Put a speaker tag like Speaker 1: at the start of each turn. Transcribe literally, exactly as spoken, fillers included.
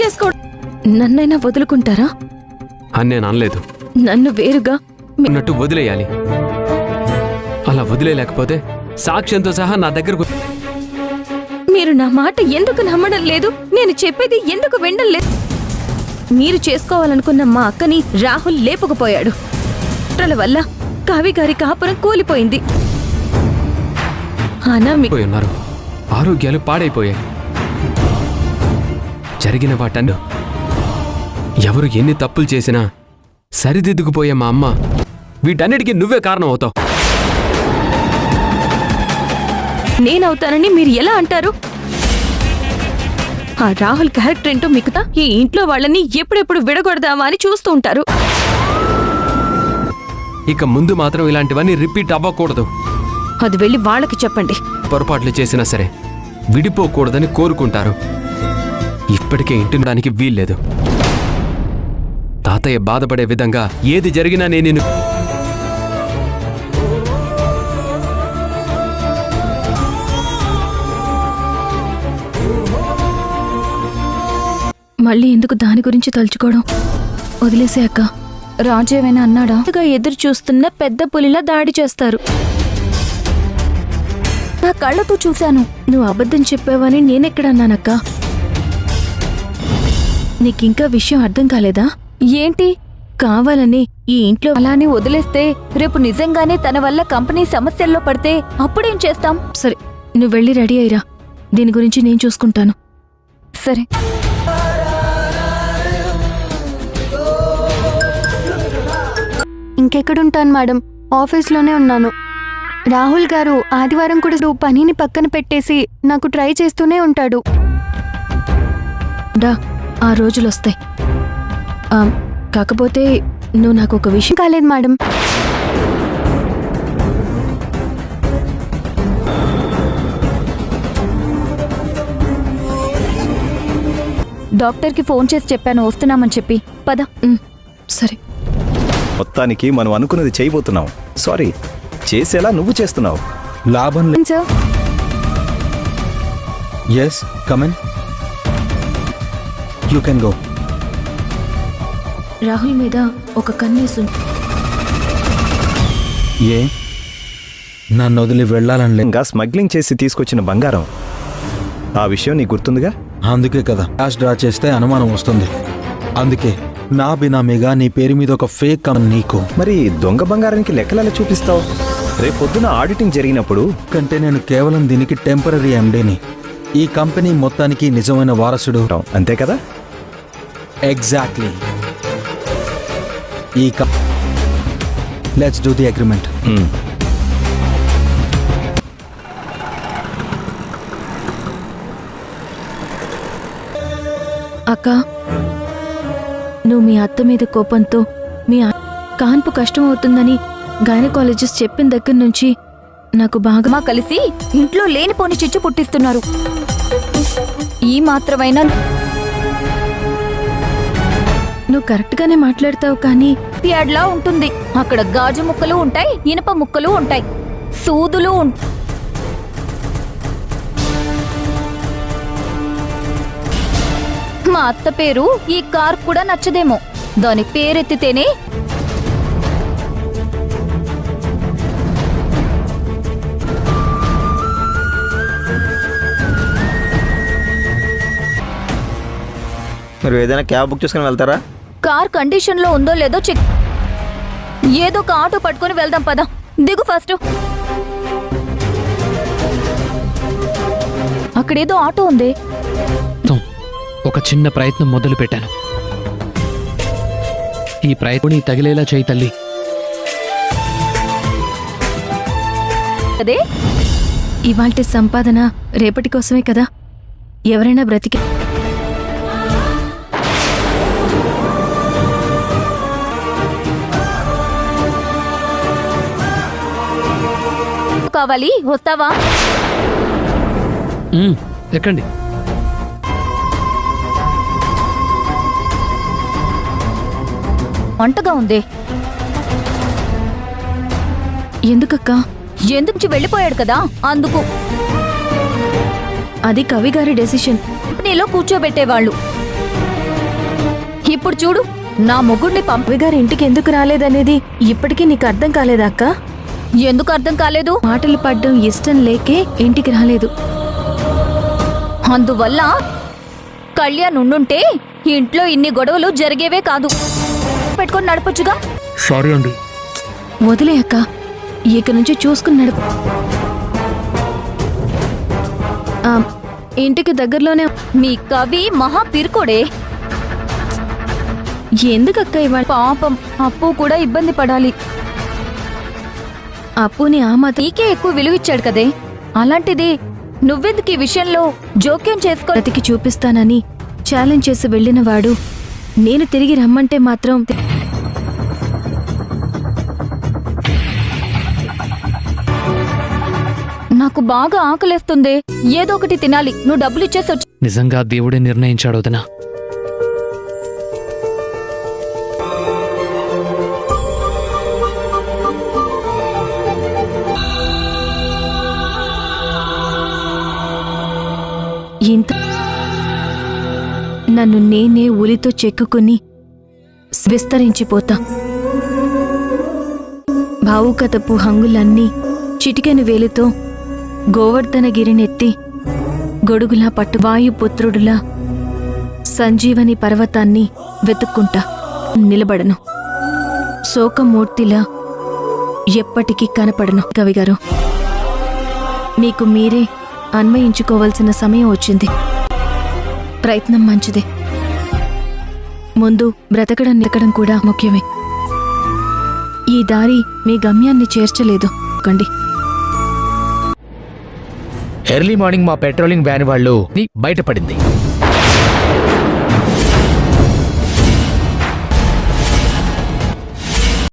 Speaker 1: చేసుకో. నన్నైనా వదులుకుంటారా
Speaker 2: అని నేను అనలేదు.
Speaker 1: నన్ను వేరుగా
Speaker 2: ఉన్నట్టు వదిలేయాలి. అలా వదిలేయలేకపోతే సాక్ష్యంతో సహా నా దగ్గరకు.
Speaker 1: మీరు నా మాట ఎందుకు నమ్మడం లేదు? నేను చెప్పేది ఎందుకు వినడం లేదు? మీరు చేసుకోవాలనుకున్న మా అక్కని రాహుల్ లేపుకుపోయాడు. కుట్రల వల్ల కావి గారి కాపురం కూలిపోయింది.
Speaker 2: ఉన్నారు ఆరోగ్యాలు పాడైపోయాయి. జరిగిన వాటన్ను ఎవరు ఎన్ని తప్పులు చేసినా సరిదిద్దుకుపోయే మా అమ్మ వీటన్నిటికీ నువ్వే కారణం అవుతావు.
Speaker 1: నేనవుతానని మీరు ఎలా అంటారు? ఆ రాహుల్ క్యారెక్టర్ ఏంటో మిగతా ఈ ఇంట్లో వాళ్ళని ఎప్పుడెప్పుడు విడగొడదామా అని చూస్తూ ఉంటారు.
Speaker 2: ఇక ముందు మాత్రం ఇలాంటివన్నీ రిపీట్ అవ్వకూడదు.
Speaker 1: అది వెళ్ళి వాళ్ళకి చెప్పండి.
Speaker 2: పొరపాట్లు చేసినా సరే విడిపోకూడదని కోరుకుంటారు. ఇప్పటికే ఇంటినడానికి వీల్లేదు. తాతయ్య బాధపడే విధంగా ఏది జరిగినా నేను
Speaker 1: మళ్ళీ ఎందుకు దాని గురించి తలుచుకోవడం? వదిలేసే అక్క. రాజు ఏమైనా అన్నాడా? ఎదురు చూస్తున్న పెద్ద పులిలా దాడి చేస్తారు. నా కళ్ళతో చూశాను. నువ్వు అబద్ధం చెప్పావని నేనెక్కడన్నానక్క? నీకింకా విషయం అర్థం కాలేదా? ఏంటి కావాలని ఈ ఇంట్లో అలానే వదిలేస్తే రేపు నిజంగానే తన వల్ల కంపెనీ సమస్యల్లో పడితే అప్పుడేం చేస్తాం? సరే, నువ్వు వెళ్ళి రెడీ అయ్యిరా. దీని గురించి నేను చూసుకుంటాను. సరే.
Speaker 3: ఇంకెక్కడుంటాను మేడం, ఆఫీస్లోనే ఉన్నాను. రాహుల్ గారు ఆదివారం కూడా పనిని పక్కన పెట్టేసి నాకు ట్రై చేస్తూనే ఉంటాడు.
Speaker 1: డా ఆ రోజులొస్తాయి. కాకపోతే నువ్వు నాకు ఒక విషయం
Speaker 3: కాలేదు మేడం.
Speaker 1: డాక్టర్కి ఫోన్ చేసి చెప్పాను వస్తున్నామని చెప్పి. పద. సరే.
Speaker 4: మొత్తానికి మనం అనుకున్నది చేయబోతున్నాం. సారీ, చేసేలా నువ్వు చేస్తున్నావు.
Speaker 5: లాభం లేదు
Speaker 3: sir.
Speaker 5: Yes come in, you can go.
Speaker 1: Rahul మీద ఒక కన్నేసు.
Speaker 5: ఏ నన్ను వదిలి వెళ్ళాలని లేదు.
Speaker 4: ఇంకా స్మగ్లింగ్ చేసి తీసుకొచ్చిన బంగారం, ఆ విషయం నీకు గుర్తుందిగా?
Speaker 5: అందుకే కదా క్యాష్ డ్రా చేస్తే అనుమానం వస్తుంది. అందుకే నా బినామీగా నీ పేరు మీద ఒక ఫేక్ కమ్. నీకు
Speaker 4: మరి దొంగ బంగారానికి లెక్కలలో చూపిస్తావు? రేపొద్దున ఆడిటింగ్ జరిగినప్పుడు.
Speaker 5: కంటే నేను కేవలం దీనికి టెంపరీ ఎండీని. ఈ కంపెనీ మొత్తానికి నిజమైన వారసుడు.
Speaker 4: అంతే కదా?
Speaker 5: ఎగ్జాక్ట్లీ. ఈ లెట్స్ డూ ది అగ్రిమెంట్.
Speaker 1: అక్క, నువ్వు మీ అత్త మీద కోపంతో మీ కాన్పు కష్టం అవుతుందని గైనకాలజిస్ట్ చెప్పిన దగ్గర నుంచి నాకు బాగా కలిసి ఇంట్లో లేనిపోని చిచ్చు పుట్టిస్తున్నారు. ఈ మాత్రమైనా నువ్వు కరెక్ట్గానే మాట్లాడతావు, కానీ ప్యాడ్లా ఉంటుంది. అక్కడ గాజు ముక్కలు ఉంటాయి, ఇనప ముక్కలు ఉంటాయి, సూదులు ఉంటాయి. మా అత్త పేరు ఈ కార్ కూడా నచ్చదేమో. దాని పేరెత్తితేనే
Speaker 6: మీరు ఏదైనా క్యాబ్ బుక్ చేసుకుని వెళ్తారా?
Speaker 1: కార్ కండిషన్ లో ఉందో లేదో చెక్. ఏదో ఒక ఆటో పట్టుకుని వెళ్దాం. పద, దిగు ఫస్ట్. అక్కడేదో ఆటో ఉంది.
Speaker 7: ఒక చిన్న ప్రయత్నం మొదలు పెట్టాను. ఈ ప్రయత్నం తగిలేలా చేయి తల్లి.
Speaker 1: అదే ఇవాల్టి సంపాదన రేపటి కోసమే కదా. ఎవరైనా బ్రతికి కావాలి. వస్తావా?
Speaker 7: ఎక్కండి.
Speaker 1: వంటగా ఉంది. ఎందుకక్క? ఎందుకు వెళ్ళిపోయాడు కదా, అందుకు. అది కవి గారి డెసిషన్. కంపెనీలో కూర్చోబెట్టేవాళ్ళు. ఇప్పుడు చూడు నా మొగుడిని పంపి
Speaker 3: గారు ఇంటికి ఎందుకు రాలేదనేది ఇప్పటికీ నీకు అర్థం కాలేదా అక్క?
Speaker 1: ఎందుకు అర్థం కాలేదు?
Speaker 3: మాటలు పడ్డం ఇష్టం లేకే ఇంటికి రాలేదు.
Speaker 1: అందువల్ల కళ్యాణ్ ఉండుంటే ఇంట్లో ఇన్ని గొడవలు జరిగేవే కాదు. పెట్టుకొని నడపొచ్చుగా.
Speaker 7: సారీ అండి.
Speaker 3: వదిలే అక్క, ఇక నుంచి చూసుకుని నడుపు. ఆ, ఇంటికి దగ్గరలోనే.
Speaker 1: మీ కవి మహా పిరుకోడే.
Speaker 3: ఎందుకక్క ఇవాళ?
Speaker 1: పాపం అప్పు కూడా ఇబ్బంది పడాలి.
Speaker 3: అప్పుని ఆ మాత్రం
Speaker 1: నీకే ఎక్కువ విలువిచ్చాడు కదే, అలాంటిది నువ్వెందుకు ఈ విషయంలో జోక్యం చేసుకో.
Speaker 3: బ్రతికి చూపిస్తానని ఛాలెంజ్ చేసి వెళ్ళిన వాడు నేను తిరిగి రమ్మంటే మాత్రం
Speaker 1: నాకు బాగా ఆకలేస్తుంది, ఏదో ఒకటి తినాలి. నువ్వు డబ్బులు ఇచ్చేసి వచ్చి.
Speaker 7: నిజంగా దేవుడే నిర్ణయించాడు వదినా.
Speaker 3: ఇంత నన్ను నేనే ఉలితో చెక్కుకుని విస్తరించిపోతా. భావుకతపు హంగులన్నీ చిటికెన వేలితో గోవర్ధనగిరినెత్తి గొడుగులా పట్టు వాయుపుత్రుడులా సంజీవని పర్వతాన్ని వెతుక్కుంటా నిలబడను. శోకమూర్తిలా ఎప్పటికీ కనపడను. కవిగారు, మీకు మీరే అన్వయించుకోవలసిన సమయం వచ్చింది. ప్రయత్నం మంచిదే, ముందు బ్రతకడం నిలకడం కూడా ముఖ్యమే. ఈ దారి మీ గమ్యాన్ని చేర్చలేదు కండి.
Speaker 8: ఎర్లీ మార్నింగ్ మా పెట్రోలింగ్ వ్యాన్ వాళ్ళు బయటపడింది.